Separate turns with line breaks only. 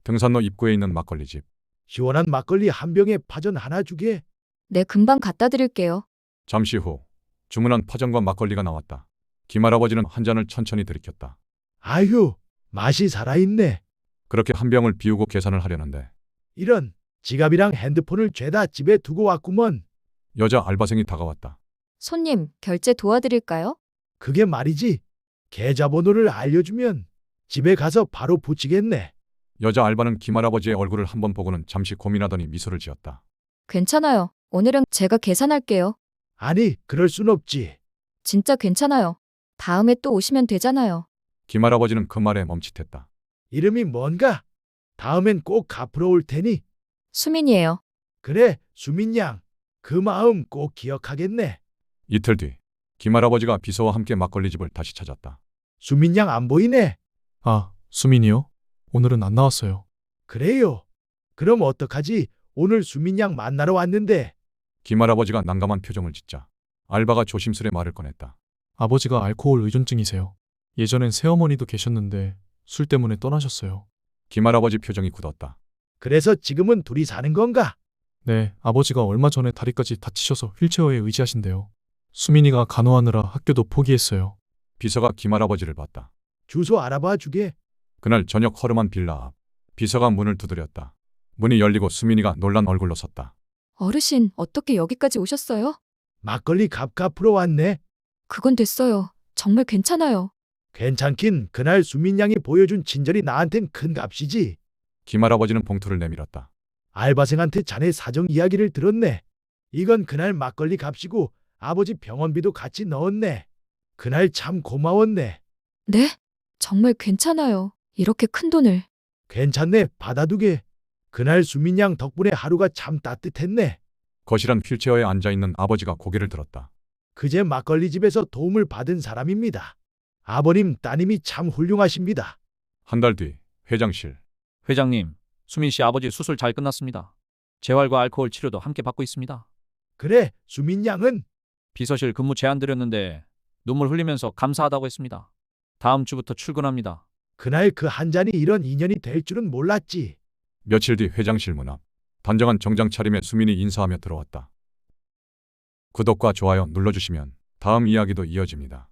등산로 입구에 있는 막걸리집.
시원한 막걸리 한 병에 파전 하나 주게.
네, 금방 갖다 드릴게요.
잠시 후 주문한 파전과 막걸리가 나왔다. 김할아버지는 한 잔을 천천히 들이켰다.
아휴, 맛이 살아있네.
그렇게 한 병을 비우고 계산을 하려는데
이런, 지갑이랑 핸드폰을 죄다 집에 두고 왔구먼.
여자 알바생이 다가왔다.
손님, 결제 도와드릴까요?
그게 말이지. 계좌번호를 알려주면 집에 가서 바로 붙이겠네.
여자 알바는 김할아버지의 얼굴을 한번 보고는 잠시 고민하더니 미소를 지었다.
괜찮아요. 오늘은 제가 계산할게요.
아니, 그럴 순 없지.
진짜 괜찮아요. 다음에 또 오시면 되잖아요.
김할아버지는 그 말에 멈칫했다.
이름이 뭔가? 다음엔 꼭 갚으러 올 테니.
수민이에요.
그래, 수민 양. 그 마음 꼭 기억하겠네.
이틀 뒤 김할아버지가 비서와 함께 막걸리집을 다시 찾았다.
수민 양 안 보이네.
아, 수민이요? 오늘은 안 나왔어요.
그래요. 그럼 어떡하지? 오늘 수민 양 만나러 왔는데.
김할아버지가 난감한 표정을 짓자 알바가 조심스레 말을 꺼냈다.
아버지가 알코올 의존증이세요. 예전엔 새어머니도 계셨는데 술 때문에 떠나셨어요.
김할아버지 표정이 굳었다.
그래서 지금은 둘이 사는 건가?
네, 아버지가 얼마 전에 다리까지 다치셔서 휠체어에 의지하신대요. 수민이가 간호하느라 학교도 포기했어요.
비서가 김할아버지를 봤다.
주소 알아봐 주게.
그날 저녁 허름한 빌라 앞. 비서가 문을 두드렸다. 문이 열리고 수민이가 놀란 얼굴로 섰다.
어르신, 어떻게 여기까지 오셨어요?
막걸리 값 갚으러 왔네.
그건 됐어요. 정말 괜찮아요.
괜찮긴 그날 수민 양이 보여준 친절이 나한텐 큰 값이지.
김할아버지는 봉투를 내밀었다.
알바생한테 자네 사정 이야기를 들었네. 이건 그날 막걸리 값이고 아버지 병원비도 같이 넣었네. 그날 참 고마웠네.
네? 정말 괜찮아요. 이렇게 큰 돈을.
괜찮네, 받아두게. 그날 수민 양 덕분에 하루가 참 따뜻했네.
거실한 휠체어에 앉아있는 아버지가 고개를 들었다.
그제 막걸리 집에서 도움을 받은 사람입니다. 아버님, 따님이 참 훌륭하십니다.
한 달 뒤 회장실.
회장님, 수민 씨 아버지 수술 잘 끝났습니다. 재활과 알코올 치료도 함께 받고 있습니다.
그래, 수민 양은?
비서실 근무 제안 드렸는데 눈물 흘리면서 감사하다고 했습니다. 다음 주부터 출근합니다.
그날 그 한 잔이 이런 인연이 될 줄은 몰랐지.
며칠 뒤 회장실 문 앞. 단정한 정장 차림의 수민이 인사하며 들어왔다. 구독과 좋아요 눌러주시면 다음 이야기도 이어집니다.